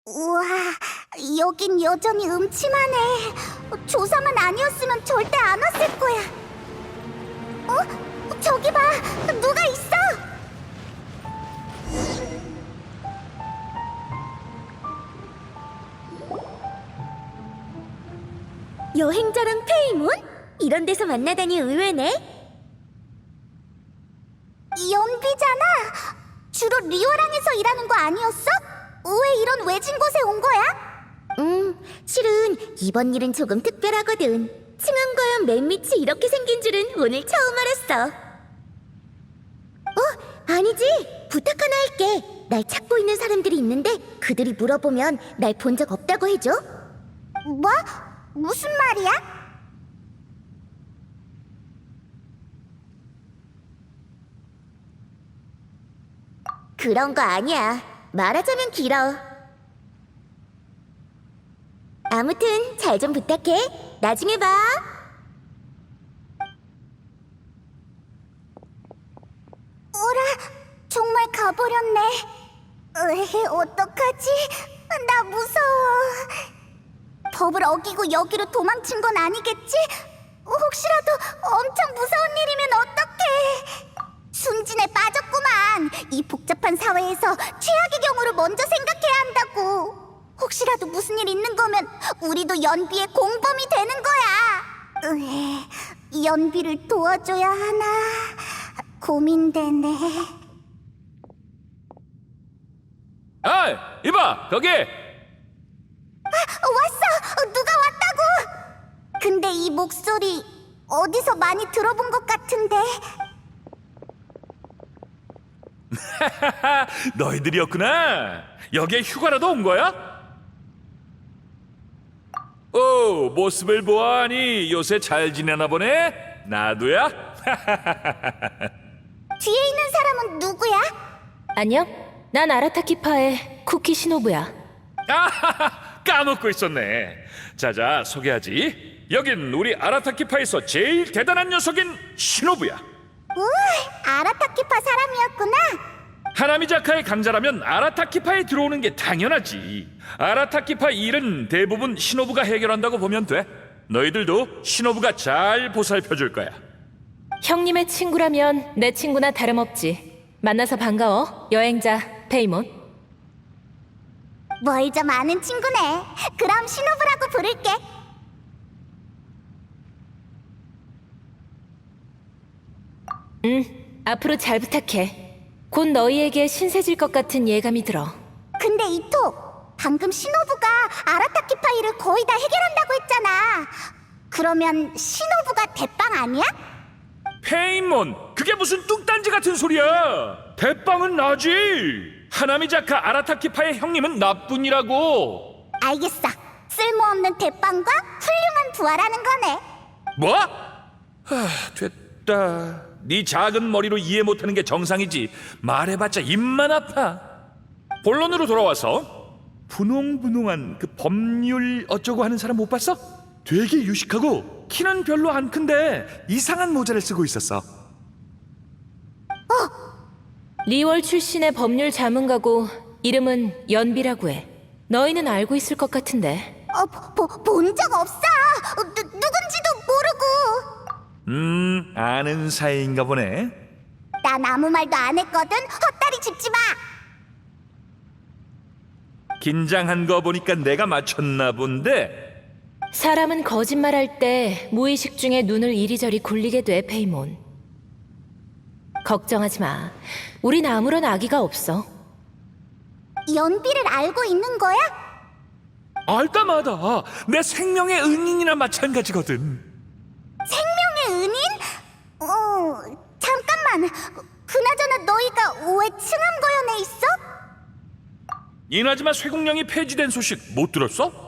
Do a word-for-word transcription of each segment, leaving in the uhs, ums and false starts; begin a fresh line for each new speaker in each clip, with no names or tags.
우와, 여긴 여전히 음침하네. 조사만 아니었으면 절대 안 왔을 거야. 어? 저기 봐, 누가 있어? 여행자랑 페이몬? 이런 데서 만나다니 의외네. 연비잖아. 주로 리오랑에서 일하는 거 아니었어? 왜 이런 외진 곳에 온 거야? 음, 실은 이번 일은 조금 특별하거든. 층암과연 맨 밑이 이렇게 생긴 줄은 오늘 처음 알았어. 어? 아니지. 부탁 하나 할게. 날 찾고 있는 사람들이 있는데 그들이 물어보면 날 본 적 없다고 해줘. 뭐? 무슨 말이야? 그런 거 아니야. 말하자면 길어. 아무튼 잘 좀 부탁해. 나중에 봐. 어라, 정말 가버렸네. 으, 어떡하지? 나 무서워. 법을 어기고 여기로 도망친 건 아니겠지? 혹시라도 엄청 무서운 일이면 어떡해? 순진에 빠졌구만. 이 복잡한 사회에서 최악의 경우를 먼저 생각해야 한다고. 혹시라도 무슨 일 있는 거면 우리도 연비의 공범이 되는 거야. 으에, 연비를 도와줘야 하나 고민되네.
아, 이봐, 거기!
아, 왔어! 누가 왔다고! 근데 이 목소리 어디서 많이 들어본 것 같은데.
너희들이었구나. 여기에 휴가라도 온 거야? 오, 모습을 보아하니 요새 잘 지내나 보네. 나도야.
뒤에 있는 사람은 누구야?
안녕? 난 아라타키파의 쿠키 시노부야.
아, 까먹고 있었네. 자자, 소개하지. 여긴 우리 아라타키파에서 제일 대단한 녀석인 시노부야.
우, 아라타키파 사람이었구나.
하나미자카의 강자라면 아라타키파에 들어오는 게 당연하지. 아라타키파 일은 대부분 시노부가 해결한다고 보면 돼. 너희들도 시노부가 잘 보살펴줄 거야.
형님의 친구라면 내 친구나 다름없지. 만나서 반가워, 여행자 페이몬.
뭘 좀 아는 친구네. 그럼 시노부라고 부를게.
응, 앞으로 잘 부탁해. 곧 너희에게 신세질 것 같은 예감이 들어.
근데 이토, 방금 시노부가 아라타키파 일을 거의 다 해결한다고 했잖아. 그러면 시노부가 대빵 아니야?
페인몬, 그게 무슨 뚱딴지 같은 소리야. 대빵은 나지. 하나미자카 아라타키파의 형님은 나뿐이라고.
알겠어. 쓸모없는 대빵과 훌륭한 부하라는 거네.
뭐? 하, 됐다. 네 작은 머리로 이해 못하는 게 정상이지. 말해봤자 입만 아파. 본론으로 돌아와서 분홍분홍한 그 법률 어쩌고 하는 사람 못 봤어? 되게 유식하고 키는 별로 안 큰데 이상한 모자를 쓰고 있었어.
리월 출신의 법률 자문가고 이름은 연비라고 해. 너희는 알고 있을 것 같은데.
어, 본 적 없어. 어, 누, 누군지도 모르고.
음, 아는 사이인가 보네.
난 아무 말도 안 했거든. 헛다리 짚지 마.
긴장한 거 보니까 내가 맞췄나 본데.
사람은 거짓말할 때 무의식 중에 눈을 이리저리 굴리게 돼, 페이몬. 걱정하지 마. 우린 아무런 악의가 없어.
연비를 알고 있는 거야?
알다마다 내 생명의 은인이나 마찬가지거든.
생명의 은인? 어, 잠깐만. 그나저나 너희가 왜 층암거연에 있어?
이나즈마 쇠국령이 폐지된 소식 못 들었어?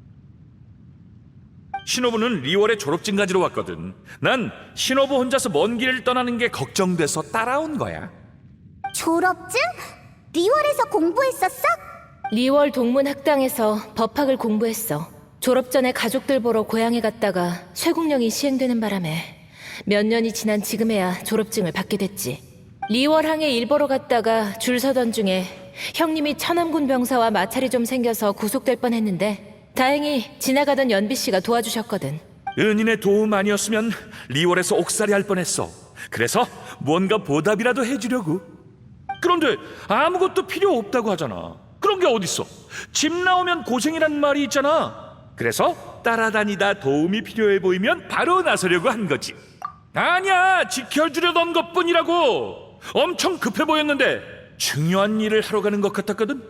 신호부는 리월에 졸업증 가지러 왔거든. 난 신호부 혼자서 먼 길을 떠나는 게 걱정돼서 따라온 거야.
졸업증? 리월에서 공부했었어?
리월 동문학당에서 법학을 공부했어. 졸업 전에 가족들 보러 고향에 갔다가 쇠국령이 시행되는 바람에 몇 년이 지난 지금에야 졸업증을 받게 됐지. 리월항에 일 보러 갔다가 줄 서던 중에 형님이 천암군 병사와 마찰이 좀 생겨서 구속될 뻔했는데 다행히 지나가던 연비 씨가 도와주셨거든.
은인의 도움 아니었으면 리월에서 옥살이 할 뻔했어. 그래서 뭔가 보답이라도 해주려고. 그런데 아무것도 필요 없다고 하잖아. 그런 게 어딨어? 집 나오면 고생이란 말이 있잖아. 그래서 따라다니다 도움이 필요해 보이면 바로 나서려고 한 거지. 아니야, 지켜주려던 것뿐이라고. 엄청 급해 보였는데 중요한 일을 하러 가는 것 같았거든.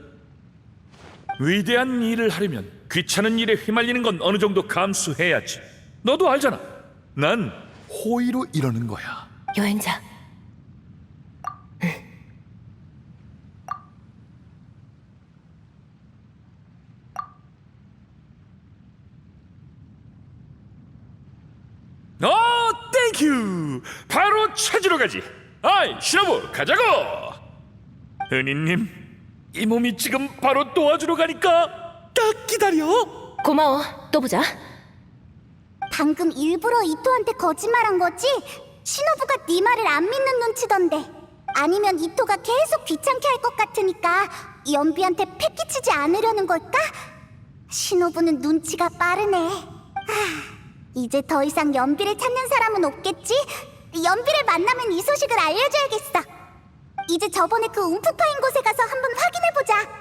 위대한 일을 하려면 귀찮은 일에 휘말리는 건 어느 정도 감수해야지. 너도 알잖아. 난 호의로 이러는 거야.
여행자.
어, 땡큐. 바로 찾으러 가지. 아이, 신호부, 가자고. 은희님, 이 몸이 지금 바로 도와주러 가니까 딱 기다려.
고마워. 또 보자.
방금 일부러 이토한테 거짓말한 거지? 신호부가 네 말을 안 믿는 눈치던데. 아니면 이토가 계속 귀찮게 할 것 같으니까 연비한테 패기치지 않으려는 걸까? 신호부는 눈치가 빠르네. 하, 이제 더 이상 연비를 찾는 사람은 없겠지? 연비를 만나면 이 소식을 알려줘야겠어. 이제 저번에 그 움푹 파인 곳에 가서 한번 확인해보자.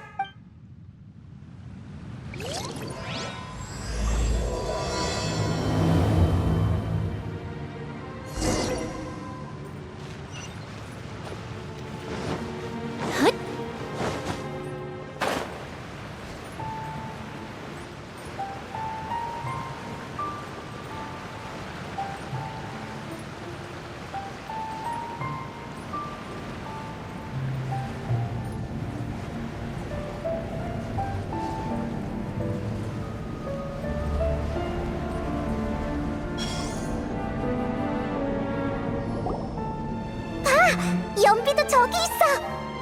연비도 저기 있어.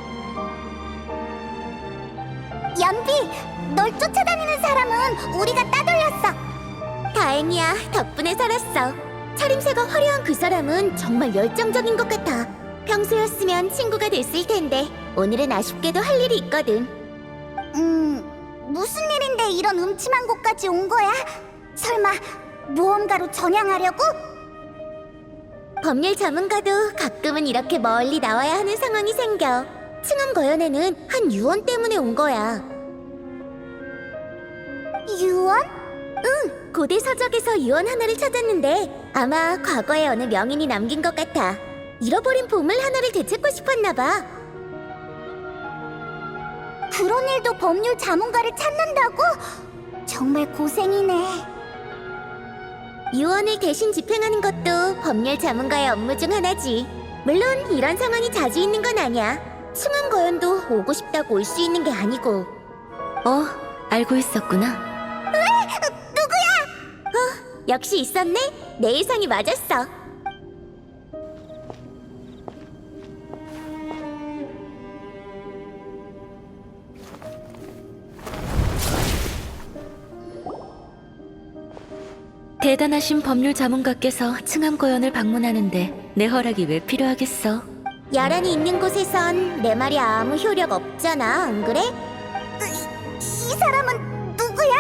연비, 널 쫓아다니는 사람은 우리가 따돌렸어. 다행이야, 덕분에 살았어. 차림새가 화려한 그 사람은 정말 열정적인 것 같아. 평소였으면 친구가 됐을 텐데 오늘은 아쉽게도 할 일이 있거든. 음, 무슨 일인데 이런 음침한 곳까지 온 거야? 설마 모험가로 전향하려고? 법률 전문가도 가끔은 이렇게 멀리 나와야 하는 상황이 생겨. 층암거연에는 한 유언 때문에 온 거야. 유언? 응, 고대 서적에서 유언 하나를 찾았는데 아마 과거에 어느 명인이 남긴 것 같아. 잃어버린 보물 하나를 되찾고 싶었나 봐. 그런 일도 법률 자문가를 찾는다고? 정말 고생이네. 유언을 대신 집행하는 것도 법률 자문가의 업무 중 하나지. 물론 이런 상황이 자주 있는 건 아니야. 층암거연도 오고 싶다고 올 수 있는 게 아니고.
어, 알고 있었구나.
왜? 누구야? 어, 역시 있었네? 내 예상이 맞았어.
대단하신 법률 자문가께서 층암거연을 방문하는데 내 허락이 왜 필요하겠어?
야란이 있는 곳에선 내 말이 아무 효력 없잖아, 안 그래? 이, 이 사람은 누구야?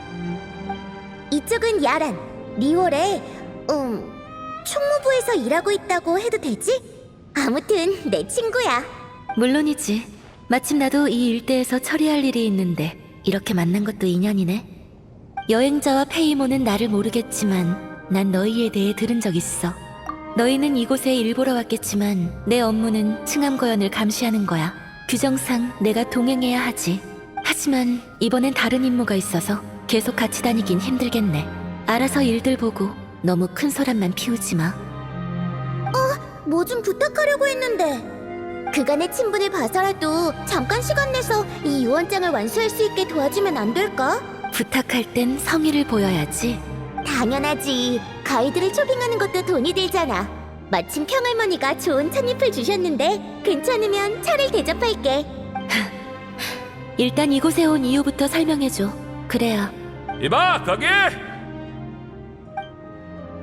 이쪽은 야란, 리월에 음, 총무부에서 일하고 있다고 해도 되지? 아무튼 내 친구야.
물론이지. 마침 나도 이 일대에서 처리할 일이 있는데 이렇게 만난 것도 인연이네. 여행자와 페이모는 나를 모르겠지만 난 너희에 대해 들은 적 있어. 너희는 이곳에 일 보러 왔겠지만 내 업무는 층암거연을 감시하는 거야. 규정상 내가 동행해야 하지. 하지만 이번엔 다른 임무가 있어서 계속 같이 다니긴 힘들겠네. 알아서 일들 보고 너무 큰 소란만 피우지 마.
뭐 좀 부탁하려고 했는데. 그간의 친분을 봐서라도 잠깐 시간 내서 이 유언장을 완수할 수 있게 도와주면 안 될까?
부탁할 땐 성의를 보여야지.
당연하지. 가이드를 초빙하는 것도 돈이 들잖아. 마침 평할머니가 좋은 찻잎을 주셨는데 괜찮으면 차를 대접할게.
일단 이곳에 온 이유부터 설명해줘. 그래야.
이봐, 거기!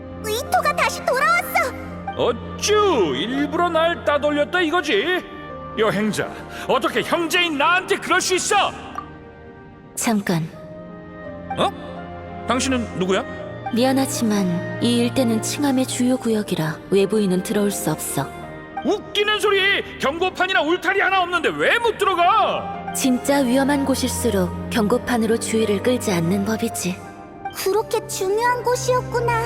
이토가 다시 돌아왔어.
어쭈, 일부러 날 따돌렸다 이거지? 여행자, 어떻게 형제인 나한테 그럴 수 있어?
잠깐.
어? 당신은 누구야?
미안하지만 이 일대는 칭함의 주요 구역이라 외부인은 들어올 수 없어.
웃기는 소리! 경고판이나 울타리 하나 없는데 왜 못 들어가?
진짜 위험한 곳일수록 경고판으로 주의를 끌지 않는 법이지.
그렇게 중요한 곳이었구나.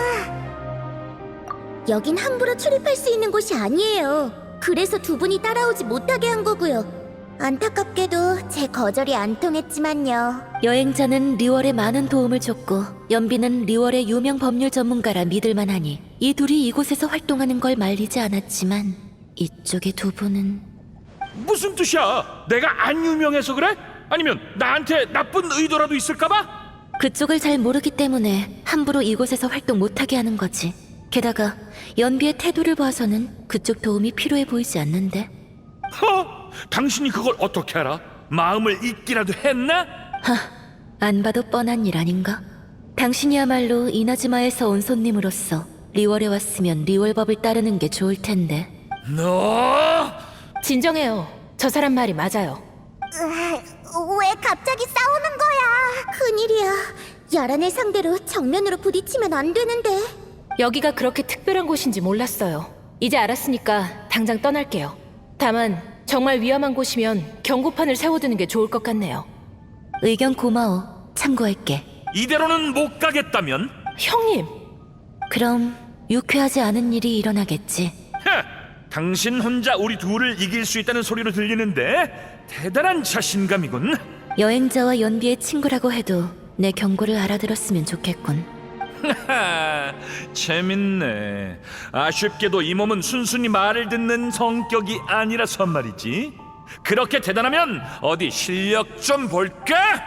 여긴 함부로 출입할 수 있는 곳이 아니에요. 그래서 두 분이 따라오지 못하게 한 거고요. 안타깝게도 제 거절이 안 통했지만요.
여행자는 리월에 많은 도움을 줬고 연비는 리월의 유명 법률 전문가라 믿을만하니 이 둘이 이곳에서 활동하는 걸 말리지 않았지만 이쪽의 두 분은...
무슨 뜻이야? 내가 안 유명해서 그래? 아니면 나한테 나쁜 의도라도 있을까봐?
그쪽을 잘 모르기 때문에 함부로 이곳에서 활동 못하게 하는 거지. 게다가 연비의 태도를 봐서는 그쪽 도움이 필요해 보이지 않는데.
허? 당신이 그걸 어떻게 알아? 마음을 읽기라도 했나?
하, 안 봐도 뻔한 일 아닌가? 당신이야말로 이나즈마에서 온 손님으로서 리월에 왔으면 리월법을 따르는 게 좋을 텐데.
너...
진정해요. 저 사람 말이 맞아요.
으아, 왜 갑자기 싸우는 거야? 큰일이야. 야란을 상대로 정면으로 부딪히면 안 되는데.
여기가 그렇게 특별한 곳인지 몰랐어요. 이제 알았으니까 당장 떠날게요. 다만 정말 위험한 곳이면 경고판을 세워두는 게 좋을 것 같네요.
의견 고마워. 참고할게.
이대로는 못 가겠다면?
형님!
그럼 유쾌하지 않은 일이 일어나겠지.
헤, 당신 혼자 우리 둘을 이길 수 있다는 소리로 들리는데 대단한 자신감이군.
여행자와 연비의 친구라고 해도 내 경고를 알아들었으면 좋겠군.
하하, 재밌네. 아쉽게도 이 몸은 순순히 말을 듣는 성격이 아니라서 말이지. 그렇게 대단하면 어디 실력 좀 볼까?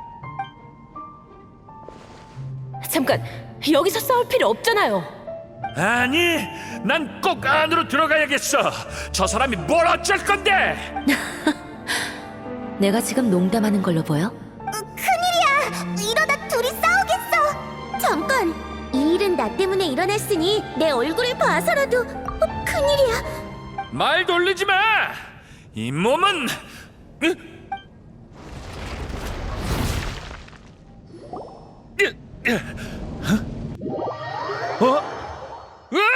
잠깐! 여기서 싸울 필요 없잖아요!
아니, 난 꼭 안으로 들어가야겠어. 저 사람이 뭘 어쩔 건데?
내가 지금 농담하는 걸로 보여?
큰일이야! 이러다 둘이 싸우겠어! 잠깐! 이 일은 나 때문에 일어났으니 내 얼굴을 봐서라도... 어, 큰일이야!
말 돌리지 마. 이 몸은 으? 으, 으, 어? 어? 으아!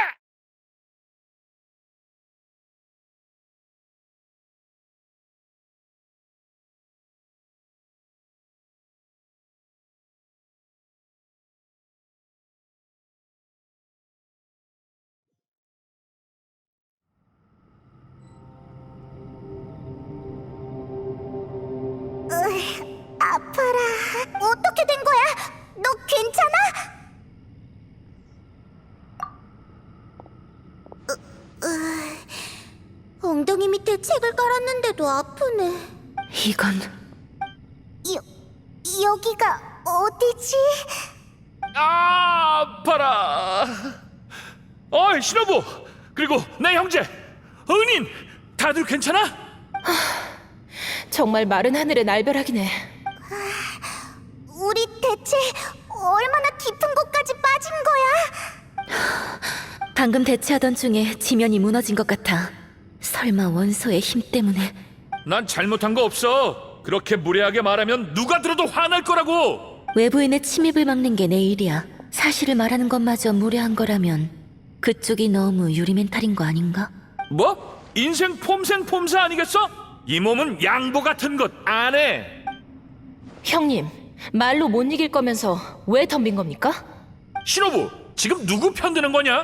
아파라. 어떻게 된 거야? 너 괜찮아? 으, 으, 엉덩이 밑에 책을 깔았는데도 아프네.
이건...
여, 여기가 어디지?
아, 아파라. 어이, 신호부. 그리고 내 형제 은인, 다들 괜찮아?
정말 마른 하늘의 날벼락이네.
우리 대체 얼마나 깊은 곳까지 빠진 거야?
방금 대치하던 중에 지면이 무너진 것 같아. 설마 원소의 힘 때문에...
난 잘못한 거 없어. 그렇게 무례하게 말하면 누가 들어도 화날 거라고.
외부인의 침입을 막는 게 내 일이야. 사실을 말하는 것마저 무례한 거라면 그쪽이 너무 유리멘탈인 거 아닌가?
뭐? 인생 폼생 폼사 아니겠어? 이 몸은 양보 같은 것 안 해.
형님, 말로 못 이길 거면서 왜 덤빈 겁니까?
신호부, 지금 누구 편드는 거냐?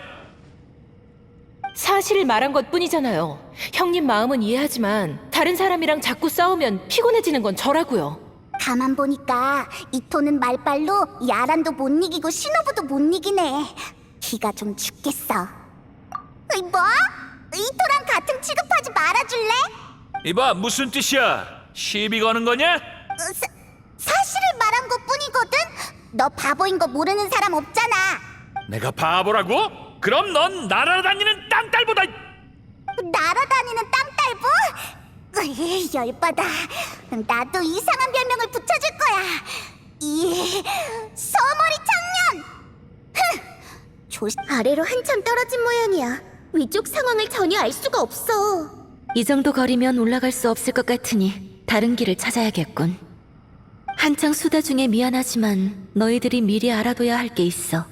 사실을 말한 것 뿐이잖아요. 형님 마음은 이해하지만 다른 사람이랑 자꾸 싸우면 피곤해지는 건 저라고요.
가만 보니까 이토는 말빨로 야란도 못 이기고 신호부도 못 이기네. 기가 좀 죽겠어. 으이, 뭐? 이토랑 같은 취급하지 말아줄래?
이봐, 무슨 뜻이야? 시비 거는 거냐?
어, 사, 사실을 말한 것 뿐이거든? 너 바보인 거 모르는 사람 없잖아.
내가 바보라고? 그럼 넌 날아다니는 땅딸보다.
날아다니는 땅딸부? 으이, 열받아. 나도 이상한 별명을 붙여줄 거야. 이 서머리 청년. 흥! 조심. 아래로 한참 떨어진 모양이야. 위쪽 상황을 전혀 알 수가 없어.
이 정도 거리면 올라갈 수 없을 것 같으니 다른 길을 찾아야겠군. 한창 수다 중에 미안하지만 너희들이 미리 알아둬야 할 게 있어.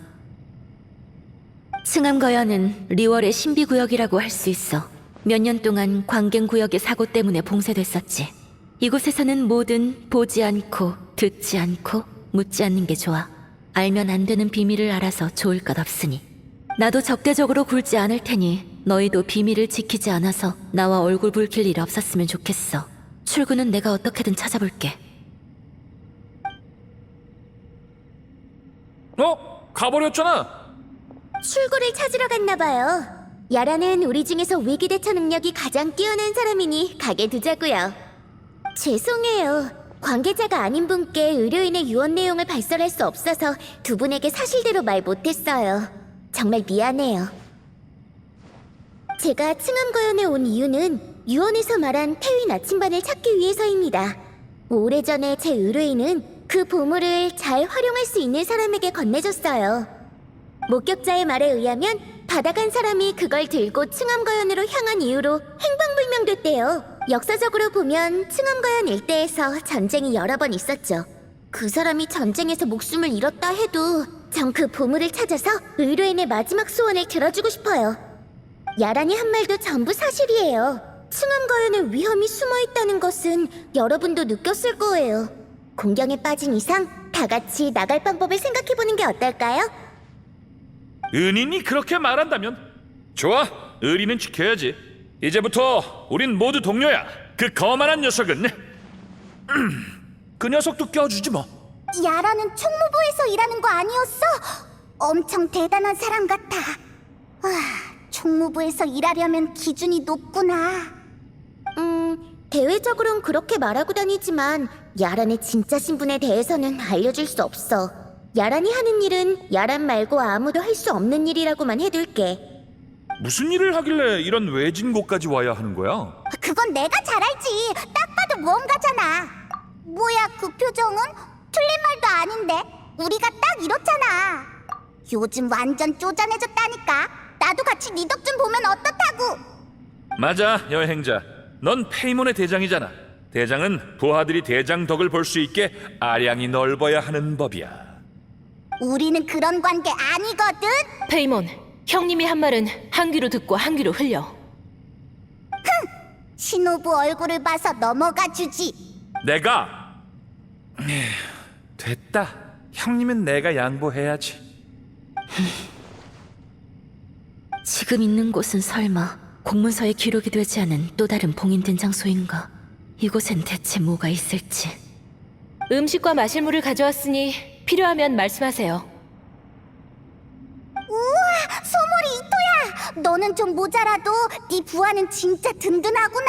층암거연은 리월의 신비구역이라고 할 수 있어. 몇 년 동안 광갱구역의 사고 때문에 봉쇄됐었지. 이곳에서는 뭐든 보지 않고 듣지 않고 묻지 않는 게 좋아. 알면 안 되는 비밀을 알아서 좋을 것 없으니. 나도 적대적으로 굴지 않을 테니 너희도 비밀을 지키지 않아서 나와 얼굴 붉힐 일 없었으면 좋겠어. 출구는 내가 어떻게든 찾아볼게.
어? 가버렸잖아.
출구를 찾으러 갔나 봐요. 야라는 우리 중에서 위기 대처 능력이 가장 뛰어난 사람이니 가게 두자고요. 죄송해요. 관계자가 아닌 분께 의료인의 유언 내용을 발설할 수 없어서 두 분에게 사실대로 말 못했어요. 정말 미안해요. 제가 층암거연에 온 이유는 유언에서 말한 태위 나침반을 찾기 위해서입니다. 오래전에 제 의뢰인은 그 보물을 잘 활용할 수 있는 사람에게 건네줬어요. 목격자의 말에 의하면 받아간 사람이 그걸 들고 층암거연으로 향한 이후로 행방불명됐대요. 역사적으로 보면 층암거연 일대에서 전쟁이 여러 번 있었죠. 그 사람이 전쟁에서 목숨을 잃었다 해도 전 그 보물을 찾아서 의뢰인의 마지막 소원을 들어주고 싶어요. 야란이 한 말도 전부 사실이에요. 층암거연에 위험이 숨어있다는 것은 여러분도 느꼈을 거예요. 공경에 빠진 이상 다 같이 나갈 방법을 생각해보는 게 어떨까요?
은인이 그렇게 말한다면 좋아. 의리는 지켜야지. 이제부터 우린 모두 동료야. 그 거만한 녀석은 그 녀석도 껴주지 뭐.
야라는 총무부에서 일하는 거 아니었어? 엄청 대단한 사람 같아. 아, 총무부에서 일하려면 기준이 높구나. 음, 대외적으론 그렇게 말하고 다니지만 야란의 진짜 신분에 대해서는 알려줄 수 없어. 야란이 하는 일은 야란 말고 아무도 할 수 없는 일이라고만 해둘게.
무슨 일을 하길래 이런 외진 곳까지 와야 하는 거야?
그건 내가 잘 알지. 딱 봐도 모험가잖아. 뭐야 그 표정은? 틀린 말도 아닌데. 우리가 딱 이렇잖아. 요즘 완전 쪼잔해졌다니까. 나도 같이 네 덕 좀 보면 어떻다고.
맞아, 여행자. 넌 페이몬의 대장이잖아. 대장은 부하들이 대장 덕을 볼 수 있게 아량이 넓어야 하는 법이야.
우리는 그런 관계 아니거든.
페이몬, 형님이 한 말은 한 귀로 듣고 한 귀로 흘려.
신호부 얼굴을 봐서 넘어가 주지.
내가 에휴, 됐다. 형님은 내가 양보해야지.
지금 있는 곳은 설마 공문서에 기록이 되지 않은 또 다른 봉인된 장소인가? 이곳엔 대체 뭐가 있을지.
음식과 마실 물을 가져왔으니 필요하면 말씀하세요.
우와, 소몰이 이토야. 너는 좀 모자라도 네 부하는 진짜 든든하구나.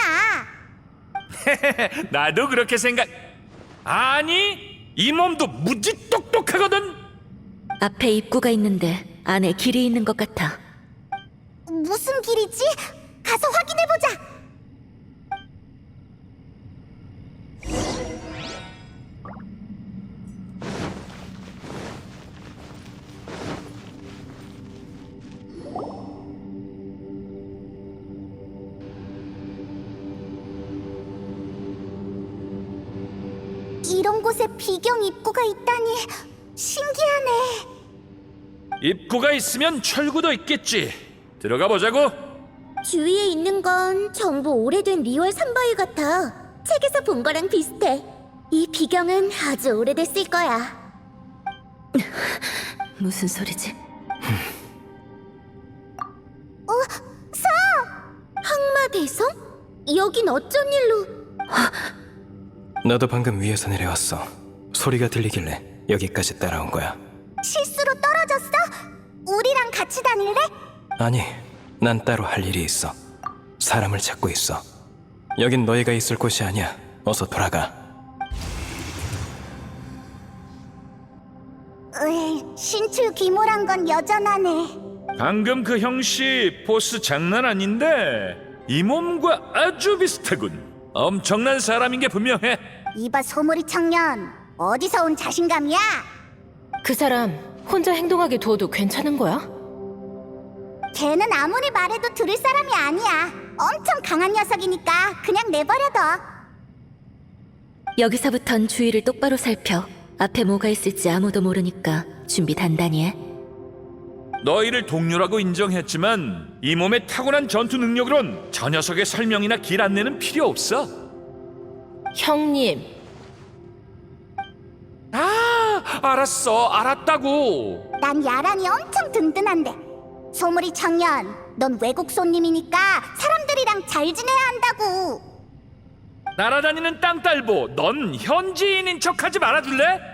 나도 그렇게 생각. 아니, 이 몸도 무지 똑똑하거든.
앞에 입구가 있는데 안에 길이 있는 것 같아.
무슨 길이지? 가서 확인해보자. 이런 곳에 비경 입구가 있다니 신기하네.
입구가 있으면 철구도 있겠지. 들어가 보자고.
주위에 있는 건 전부 오래된 리월 삼바위 같아. 책에서 본 거랑 비슷해. 이 비경은 아주 오래됐을 거야.
무슨 소리지?
어? 서! 항마대성? 여긴 어쩐 일로?
나도 방금 위에서 내려왔어. 소리가 들리길래 여기까지 따라온 거야.
실수로 떨어졌어? 우리랑 같이 다닐래?
아니, 난 따로 할 일이 있어. 사람을 찾고 있어. 여긴 너희가 있을 곳이 아니야. 어서 돌아가.
으이, 신출 귀몰한 건 여전하네.
방금 그 형씨 포스 장난 아닌데 이 몸과 아주 비슷하군. 엄청난 사람인 게 분명해.
이봐 소몰이 청년, 어디서 온 자신감이야?
그 사람 혼자 행동하게 두어도 괜찮은 거야?
걔는 아무리 말해도 들을 사람이 아니야. 엄청 강한 녀석이니까 그냥 내버려둬.
여기서부턴 주위를 똑바로 살펴. 앞에 뭐가 있을지 아무도 모르니까 준비 단단히 해.
너희를 동료라고 인정했지만 이 몸의 타고난 전투 능력으론 저 녀석의 설명이나 길 안내는 필요 없어.
형님,
아, 알았어, 알았다고.
난 야란이 엄청 든든한데. 소물이 청년, 넌 외국 손님이니까 사람들이랑 잘 지내야 한다고.
날아다니는 땅딸보, 넌 현지인인 척하지 말아줄래?